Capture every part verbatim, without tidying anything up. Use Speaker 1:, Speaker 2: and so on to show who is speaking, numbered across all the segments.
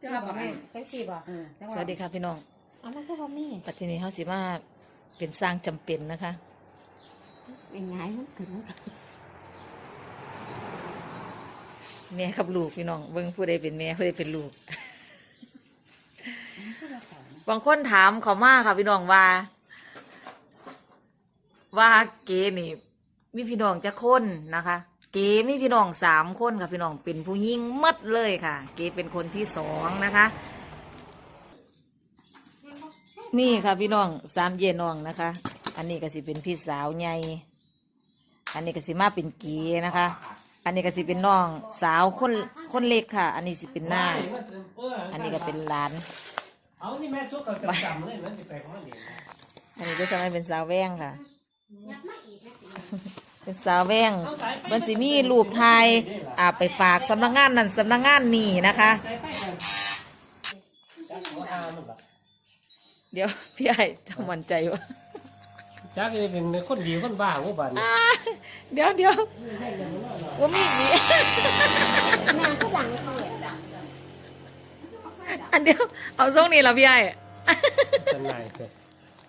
Speaker 1: เจ้าบ่แม่ใส่สีบ่
Speaker 2: สวัสดีค่ะพี่น้อง
Speaker 1: อันนั้นก็บ่มี
Speaker 2: ปัจจุบันเขาสิมาเป็นสร้างจำเป็นนะคะ
Speaker 1: เป็นไงมันขึ้นมันก็
Speaker 2: แม่กับลูกพี่น้องเบิ่งผู้ใดเป็นแม่ผู้ใดเป็นลูก บางคนถามเขามาค่ะพี่น้องว่า ว่าเก๋นี่มีพี่น้องจะคนนะคะ เก๋มีพี่น้องสามคนค่ะพี่น้องเป็นผู้หญิงหมดเลยค่ะ เก๋เป็นคนที่สองนะคะ นี่ค่ะพี่น้องสามเยน้องนะคะ อันนี้ก็สิเป็นพี่สาวใหญ่อันนี้ก็สิมาเป็นเก๋นะคะ อันนี้ก็สิเป็นน้องสาวคนคนเล็กค่ะ อันนี้สิเป็นหน้าอันนี้ก็เป็นหลาน
Speaker 3: เอานี่แม่ชุกกับจำเลยมันจะไปของมันเอง
Speaker 2: อันนี้ก็จะไม่เป็นสาวแว่งค่ะ เป็นสาวแว่งมันสิมีรูปไทยอ่าไปฝากสำนักงานนั่นสำนักงานนี่นะคะ เดี๋ยวพี่ไอ้จะมั่นใจวะ
Speaker 3: จักนี่เป็นคนดีคนบ้าหัวบัน
Speaker 2: อ่าเดี๋ยวเดี๋ยวว่ามีมี
Speaker 1: แม่ก็ดังเขาเลย
Speaker 2: อันเดียวเอาทรงนี้ละพี่ไอ้
Speaker 3: เป็นไรเสร็จ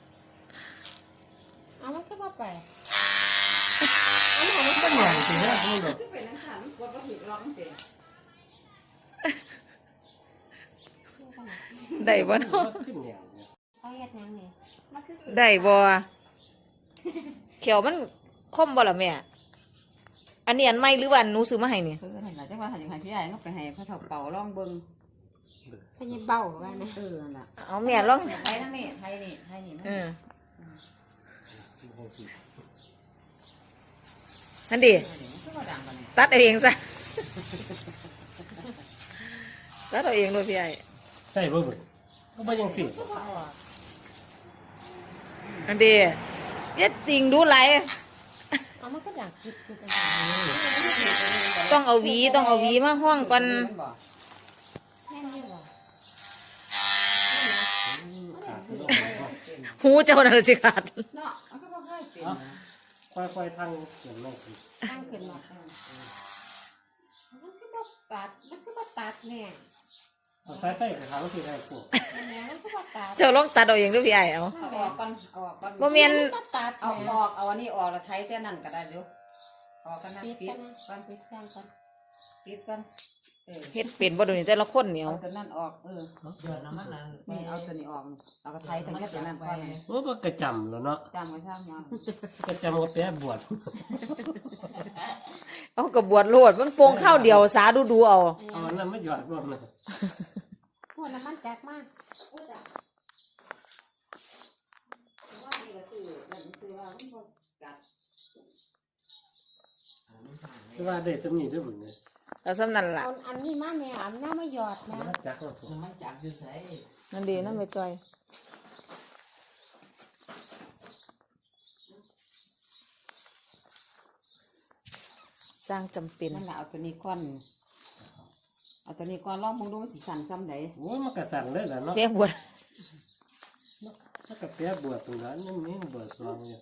Speaker 1: เอามันก็บ่ไป
Speaker 3: ก็อย่างสิฮะคุณหรอก
Speaker 1: เป็นลักษณะมันกดบ่ผิดร้องเสีย
Speaker 2: ได้บ่เนาะ
Speaker 3: ขึ้นอย่างเนี่ย
Speaker 1: เอาเฮ็ดหยังนี่มันคือ
Speaker 2: ได้บ่เขียวมันคมบ่ล่ะแม่อันนี้อันใหม่หรือว่าอันหนูซื้อมาให้นี่
Speaker 4: คือนั่นแหละจังว่าหันอย่างที่ใหญ่ก็ไปให้พระเฒ่าเป่าร้องเบิ่ง
Speaker 1: เป็นยังเบาว่านะ
Speaker 4: เออนั่นล่ะ
Speaker 2: เอาแม่ลอง
Speaker 4: ไทยนั่นนี่ไทยนี่ไทยนี่
Speaker 2: เออนั่นดิ
Speaker 4: มันก็ดังกันนี่
Speaker 2: ตัดเอาเองซะ ตัดเอาเองด้วยพี่ไอ้
Speaker 3: ใช่บ่เบิ่งก็บ่ยังสิ
Speaker 2: อันเดียเย็ดติงดูไหล
Speaker 1: เอามันก็ดังคิดคือกัน
Speaker 2: ต้องเอาหวีต้องเอาหวีมาห้องก่อน
Speaker 1: แม่นอยู่บ่
Speaker 2: หูเจ้าน่ะสิขาด
Speaker 4: เนาะมันก็บ่ค่อยเป็น
Speaker 3: ค่อยๆทางเขียนแม่สิ
Speaker 1: ตั้งขึ้นมามันก็บ่ตัดมันก็บ่ตัดแม่
Speaker 3: เอาสายไฟกับทางที่ได้พวก
Speaker 1: แม่มันก็บ่ตัด
Speaker 2: เจ้าลองตัดเอาเองด้วยพี่ไอ้เอา
Speaker 4: เอาออกก่อนเอาออกก่อน
Speaker 2: บ่แม่น
Speaker 1: บ่ตัด
Speaker 4: เอาออกเอาอันนี้ออกแล้วไทยแต่นั่นก็ได้เร็วออกกันนะ
Speaker 1: ปิด
Speaker 4: ปิ
Speaker 1: กั
Speaker 4: ด
Speaker 1: นนะ
Speaker 4: ก่อน
Speaker 1: ปิดกันก่อน
Speaker 4: ปิดก่อนเออ
Speaker 2: เฮ็ดเป็นบ่ดูนี่แต่ละคนเหนียว
Speaker 4: เอาตัวนั้นออกเออนี่เอาตัวนี้ออกเอากระไทยทั้งแค่ตัวนั้นก่อน
Speaker 3: โอ้ก็กระจำแล้วเนาะ
Speaker 4: จำไว้ช่างมา
Speaker 3: กระจำก็แปะบวช
Speaker 2: เอากระบวดโลดมันโปงข้าวเดียวสาดูดูเอา
Speaker 3: เอาอันนั้นไม่หยอดรวมเลย
Speaker 1: พวกน้ำมันจักมาก
Speaker 3: คือว่าได้ตำหนิด้วยบุญเลย
Speaker 2: แล้วสำนั่นล่ะ
Speaker 1: เอาอันนี้มาแม่อันน้ามาหยอดแม่
Speaker 3: มันจักแล้วผม
Speaker 2: นั่นดีนั่นไปจอยสร้างจำเป็น
Speaker 4: นั่นแหละเอาตัวนี้ก้อนเอาตัวนี้ก้อนลองมองดูมันสิสั่นซ้ำไหน
Speaker 3: โอ้มันกระสั่นเลยแหละเนาะ
Speaker 2: เรียกบวช
Speaker 3: ถ้ากระแปะบวชตรงนั้นนี่นี่บวชสองเนี่ย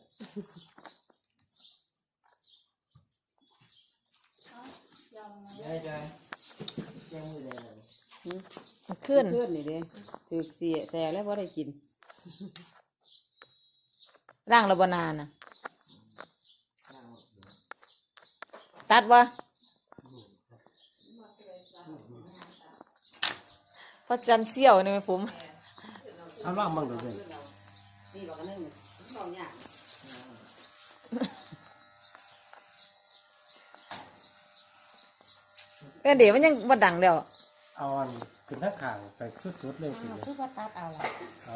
Speaker 2: มันขึ้น
Speaker 4: เพื่อนนี่เด้ถือเสียแซ่แล้วพอได้กิน
Speaker 2: ร่างระบนานน่ะตัดวะพระจันทร์เสี้ยวนี่ไหมผม
Speaker 3: เอาล่างบ้างเดี๋ยวเดี๋ยว
Speaker 4: นี่บอกกันนึงบอกเนี่ย
Speaker 2: เอ้ยเดี๋ยวมันยังมาดังเดียว
Speaker 3: เอาอันขึ้นทั้งข่างไปสุดๆเลยที
Speaker 1: อ้าว
Speaker 3: เดียว
Speaker 1: คือว่าตัดเอาล่ะ
Speaker 3: เอา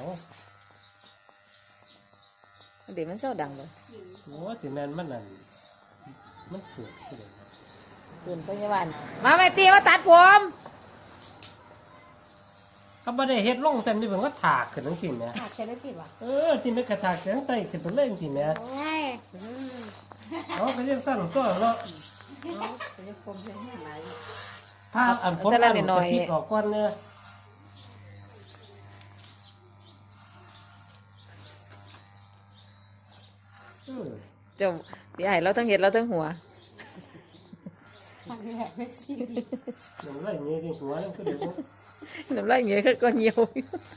Speaker 2: เดี๋ยวมันเศร้าดังเลย
Speaker 3: โอ้ที่นั่นมันนั่นมันสวยที่เดียว
Speaker 2: ตื่นพยาบาลมาแม่ตีมาตัดผม
Speaker 3: ก็ไม่ได้เฮ็ดลงเส้นนี่ผมก็ถากขึ้นทั้งทีเนี่ย
Speaker 1: ขาดแค่ได้สิบ่ะ
Speaker 3: เออที่ไม่กระถากเสียงไตขึ้นไปเล่นทีเนี่ย
Speaker 1: โอ้ยอืม
Speaker 3: เอาไปเรียกสั้นก็เนาะ
Speaker 4: จะจะคมใช่ไหม
Speaker 3: ถ้าอันผมอันกระซิบออกก้อนเนี่ยเออ
Speaker 2: เจ้าพี่ไอ้เราทั้งเห็ดเราทั้งหัว
Speaker 1: ครั้งแรกไม่ชีวิต
Speaker 3: น้ำลายเงี้ยที่หัวนั่นก็เดี๋ยว
Speaker 2: น้ำลายเงี้ยก็เหี่ยว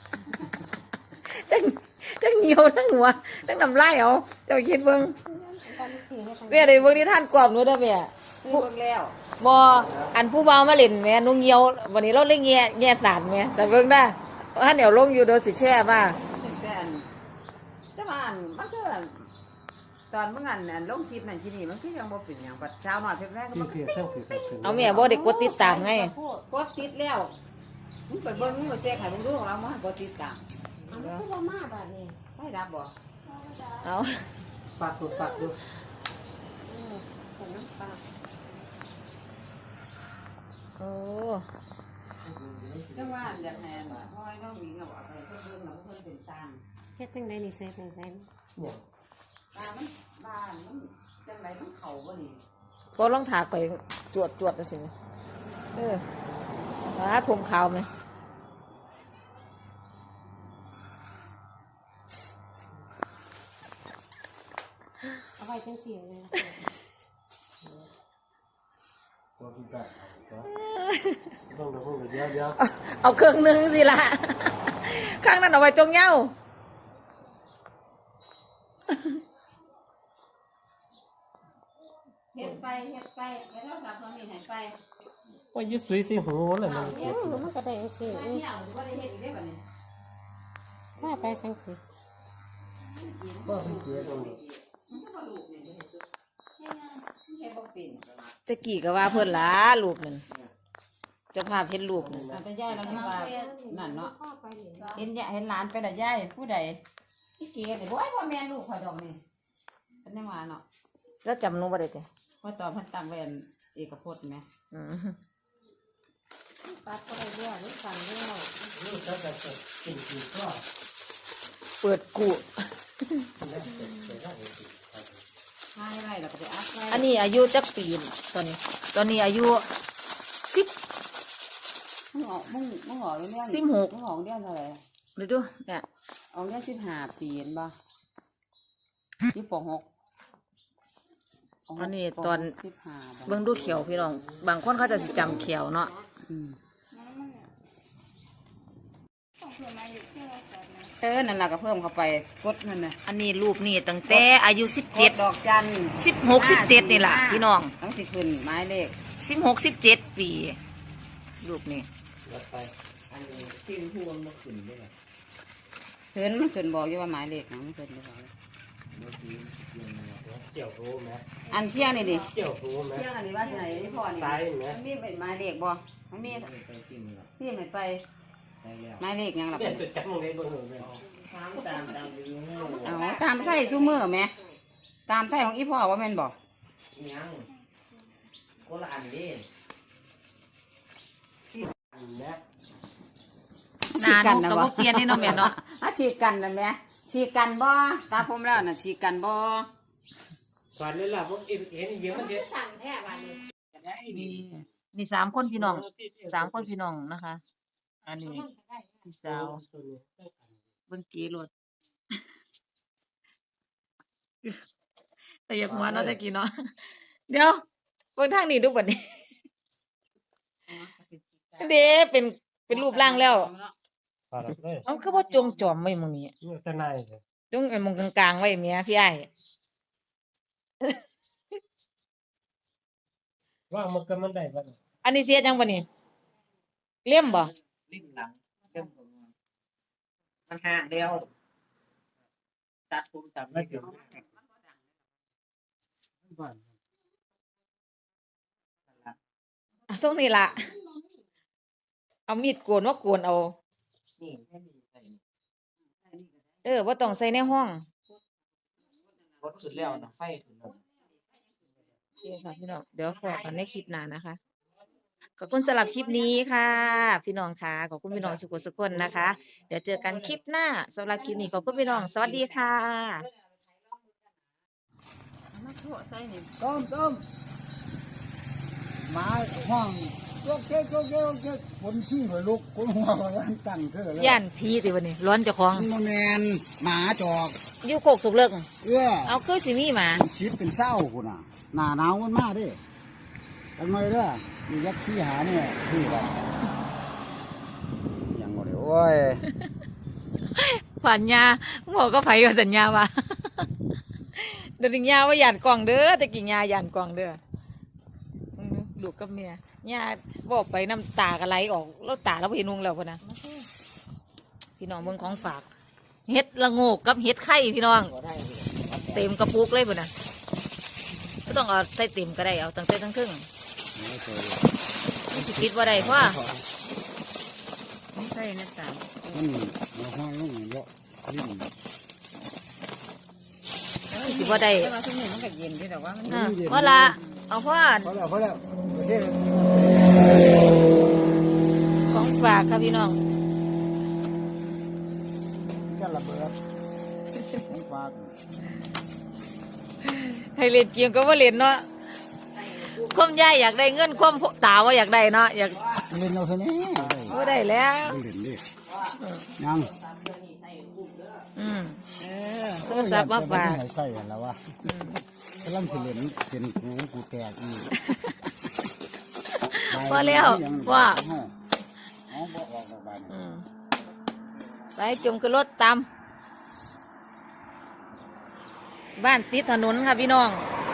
Speaker 2: ทั้งทั้งเหี่ยวทั้งหัวทั้งน้ำลายเอาเจ้าคิดเบิ่ง
Speaker 1: ตอนนี้สี่ให้ทาง
Speaker 2: แม่ได้เบิ่งนิทานกรอบหนูเด้อแม่
Speaker 4: ซื้อเบิ่งแล้ว
Speaker 2: บ่อันผู้เบามาเล่นแม่หนูเหี่ยววันนี้เราเล่นแง่แง่สารแม่แต่เบิ่งได้ถ้าเดี๋ยวลงอยู่โดนสิแช่มา
Speaker 4: ซึ่งแต่อันแต่ว่าอันมันก็อันตอนเมื่ออันอันลงคลิปนั่นที่นี่มันคือยังบ่เป็นหยังปัดเช้าหน่อยเพิ่นแรกก็
Speaker 3: ที่
Speaker 4: บ่
Speaker 3: เพียงทั้งคือกัน
Speaker 2: เอาแม่บ่ได้กดติดตามไง
Speaker 4: กดติดแล้วมึงไปเบิ่งมึงมาเสียให้มึงดูของเราบ่ให้กดติดตาม
Speaker 1: อันนี้คือบ่มาแบบนี้
Speaker 4: ได้รับบ่
Speaker 2: เอา
Speaker 3: ปากตัวปากดู
Speaker 1: เออแต่น้ำปลา
Speaker 2: โอ้
Speaker 4: จังว่าอันอยากให้พ่อยน้องหญิงเอาออกไปเพิ่นเบิ่งแล้วเพิ่นเป็นตาม
Speaker 1: เฮ็ดจังไดนี่ใส่จังได
Speaker 3: เนี่ย
Speaker 4: ตามมันบ้านมันจังไดมันเข้าบ่นี่
Speaker 2: พอลองถากไปจวดจวดจังซี่เออว่าผมขาวไหม
Speaker 1: เอาไว้จังสี่เลย
Speaker 3: ตัวที่ได้ต้องต้องเดี๋ยวเดี๋ยว
Speaker 2: เอาเครื่องหนึงสิละข้างนั้นเอาไว้จงเหย้า
Speaker 4: เฮ็ดไปเฮ็ดไปเฮ็ดโทรศัพท์ตอนนี้ให้ไป
Speaker 3: ว่ายึดสุยสิหูเลยมัน
Speaker 1: เอ
Speaker 3: เก็บ
Speaker 1: อมันก็ได้จังสี่
Speaker 4: ไป
Speaker 1: อือ
Speaker 4: เนี่ยบ่ได้เฮ็ดอีกได้บัดนี้
Speaker 1: ว่าไปจังสี่
Speaker 3: ว่าเป็นเกลือตรงนี้
Speaker 4: มันก็บ่ลูกนี่เฮ็ดเฮ็ดบ่เป็น
Speaker 2: ตะกี้ก็ว่าเพิ่นหล้าลูกนั่นเจ้าภาพเห็นลูกนั่น
Speaker 4: อันเป็นยายแล้วนี่ว่านั่นเนาะ
Speaker 1: พ่อไปเลย
Speaker 4: เห็นยายเห็นหลานไปแต่ยายผู้ใดพี่เก๋นี่บ่ให้พ่อแม่ลูกข่อยดอกนี่เป็นจังว่าเนาะ
Speaker 2: แล้วจำหนูบ่ได้ติ
Speaker 4: ว่าตอนเพิ่นตั้งไว้อันเอกพจน์แหม
Speaker 2: อืม
Speaker 1: ปัดก็ได้เรื่อยหรือสั่นเรื่อย
Speaker 3: นี่ถ้าจะกินกินก็
Speaker 2: เปิดกู
Speaker 3: ได้เสร็จเสร็จได้เลย
Speaker 4: หายไรแล้วก็ไปอัพไว้
Speaker 2: อันนี้อายุจักปีนี่ตอนนี้ ตอนนี้อายุสิบ
Speaker 4: มึงออกมึงมึงออกเรื่อง
Speaker 2: สิบหก
Speaker 4: มึงออกเรื่องเท่าไหร่
Speaker 2: เดี๋ยวดูเนี่ย
Speaker 4: ออกเรื่องสิบห้าปีเห็นบ่สิบปหก
Speaker 2: อันนี้ตอน
Speaker 4: สิบห้า
Speaker 2: เบิ่งดูเขียวพี่น้อง บางคนเขาจะสิจำเขียวเนาะ
Speaker 4: อืมเออนั่นล่ะก็เพิ่มเข้าไปกดนั่นน่ะ
Speaker 2: อันนี้รูปนี่ตั้งแต่อายุสิบ
Speaker 4: ก
Speaker 2: เจ็ด
Speaker 4: ดดอกจัน
Speaker 2: สิบหกสิบเจ็ดนี่ล่ะพี่น้อง
Speaker 4: ต้องสิขึ้นหมายเลข
Speaker 2: สิบหกสิบเจ็ดปี รูปนี้
Speaker 3: แล้วไปอันนี้ที่พูดมันขึ้นได้ไง
Speaker 4: ขึ้นมันขึ้นบอกอยู่ว่าหมายเลขหยังมันขึ้นอยู่บอก
Speaker 3: เกี่ยวรู้ไหม
Speaker 4: อันเที่ยงนี่ดิ
Speaker 3: เกี่ยวรู้ไหม
Speaker 4: เที่ยงอันนี้ว่าที่ไหนที่พ่อนี่
Speaker 3: ซ้ายไหม
Speaker 4: มันมีเป็นหมายเลขบ่มันมีที่ไหนไปหมายเลขหยังล่ะ
Speaker 3: เนี่ยจะจับมึงได้บ้างไหม
Speaker 4: เอาตามไส้ซูเมอร์ไหมตามไส้ของอีพ่อว่าแม่นบ่
Speaker 5: ยังคนละอันเด้
Speaker 3: อันนี้
Speaker 2: หนาหนูกับบ่เปลี่ยนนี่เนาะแม่เนาะ
Speaker 4: อ่ะฉีกกันนะแม่ฉีกกันบ่ตาผมแล้วน่ะฉีกกันบ่
Speaker 3: สอนเลยล่ะพวกเอ็นเอ็นเยอะมันเยอะ
Speaker 1: สั่นแท้วันนี้
Speaker 2: นี่สามคนพี่น้อง สามคนพี่น้องนะคะ อันนี้พี่สาวเบิ่งกีรถ แต่อยากหัวเนาะตะกี้เนาะ เดี๋ยวเบิ่งทางนี้ดูบัดนี้ เด้เป็นเป็นรูปร่างแล้ว
Speaker 3: ปาดเลย
Speaker 2: เอาคือบ่จงจอมไว้หมื้นี้
Speaker 3: นี่จะนายเลย
Speaker 2: จงไอ้หมองกลางๆไว้แม่พี่อ้าย
Speaker 3: ว่ามันก็มันได้บ้าง
Speaker 2: อันนี้เสียจังบ่นี่เลี่ยมบ่
Speaker 5: ลิ้นหลังเริ่มผมมันห่างเดียวตัดผมตัดไม่ถึง
Speaker 3: บ้าน
Speaker 2: อ่ะส่งนี่ล่ะ เอามีดโกนมาโกนเอา
Speaker 5: นี่แค่นี้ใส่
Speaker 2: เออบ่ต้องใส่ในห้อง
Speaker 5: รถขึ้นแล้วนะไฟขึ้นแล้ว
Speaker 2: โอเคค่ะพี่น้องเดี๋ยวขอกันในคลิปหน้านะคะขอบคุณสำหรับคลิปนี้ค่ะ พี่น้องค่ะขอบคุณพี่น้องสุขสุขคนนะคะ เดี๋ยวเจอกันคลิปหน้าสำหรับคลิปนี้ขอบคุณพี่น้องสวัสดีค่ะ
Speaker 4: มาโทษใส่นี่
Speaker 6: ต้มต้มหมาห้องโจ๊กเจ๊กโจ๊กเจ๊กโจ๊กเจ๊กคนขี้หัวลุกคนหัวร้านตั้งเธอเลย
Speaker 2: ย่านผีติวันนี้ร้อนเจ้าของ
Speaker 6: มันแมนหมาจอก
Speaker 2: อยู่โคกสุกเลิก
Speaker 6: เอื้อ
Speaker 2: เอาคือสิมีหมา
Speaker 6: เป็นชิดเป็นเศร้าคุณน่ะหน้าหนาวมันมาเด้ทำไมเด้อมียักษ์สีหาเนี่ยคือแบบยังบ่ได้โอ้ย
Speaker 2: ผ่านยาหมอก็ไผกับสัญญาว่า เดี๋ยวถึงยาว่าหยานกล่องเด้อแต่กิ่งยาหยานกล่องเด้ออืมลูกกับเมียยาบอกไปน้ำตากระไหลออกแล้วตาเราเห็นนุงแล้วพะนะพี่น้องเมืองของฝากเฮ็ดละโงกกับเฮ็ดไข่พี่น้องเต็มกระปุกเลยพะนะก็ต้องเอาใส่เต็มก็ได้เอาตั้งแต่ทั้งครึ่งมันสิคิดว่าได้เพราะว่า
Speaker 4: ไม่ใช่นะตาม
Speaker 6: มันมาห้องลงเยอะลิ้น
Speaker 2: มันสิว่าได้
Speaker 4: แต่ว่าช่วงนี้มันก็เย็นด้วยแต่ว่ามัน
Speaker 2: อ่ะเพราะละเอาเพราะว่า
Speaker 6: พอแล้วพอแล้วเฮ็ด
Speaker 2: ของฝากค่ะพี่น้อง
Speaker 6: จะระเบิดของฝาก
Speaker 2: ให้เล่นเกมก็ว่าเล่นเนาะคมยายอยากได้เงินคมตาว่าอยากได้เนาะอยาก
Speaker 6: เล่นเอาเท่านี้ได้
Speaker 2: ว่าได้แล้ว
Speaker 6: เล่นดิยัง
Speaker 2: อืม
Speaker 4: เออ
Speaker 2: โทรศัพท์มาฝาก
Speaker 6: ให้ใส่แล้ววะกำลังสิเล่นเป็นกูกูแตกอีก
Speaker 2: พอแล้วว่า
Speaker 6: เอาบ่ออกออกบ้าน
Speaker 2: อืมไปจุ่มกระรถตามบ้านติดถนนค่ะพี่น้อง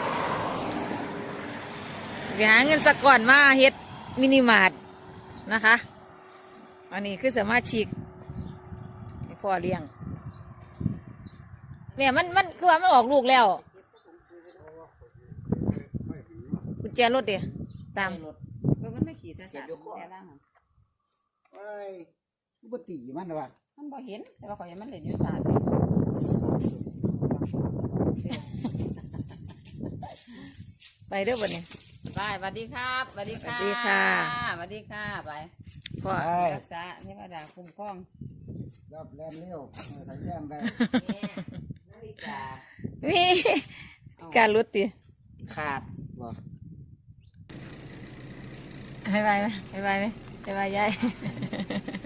Speaker 2: ไปหาเงินสักก่อนมาเฮ็ดมินิมาร์ทนะคะ อันนี้คือสามารถฉีกให้พ่อเลี้ยงเนี่ยมันมันคือว่ามันออกลูกแล้วกุญแจรถเดียตาม
Speaker 4: เพิ่งมันไม่ขี่ซะสามแต่ล่าง
Speaker 6: เอ้ยกูบ่ตีมันว่ะ
Speaker 4: มันบ่เห็นแต่ว่าเขายังมันเล่นอยู่ตาด
Speaker 2: ไปเด้อวันนี้
Speaker 4: ไปสวัสดีครับสวัสดีค่ะ
Speaker 2: สวัสดีค่ะ
Speaker 4: สวัสดีค่ะไป
Speaker 2: พ่อ
Speaker 6: ไอ้
Speaker 4: รักษาเทวดาคุ้มครอง
Speaker 6: รอบแล่นเร็วใส่แซมไป
Speaker 2: นี่การรถตี
Speaker 5: ขาด
Speaker 6: บ่
Speaker 2: ให้ไปไหมให้ไปไหมให้ไปยาย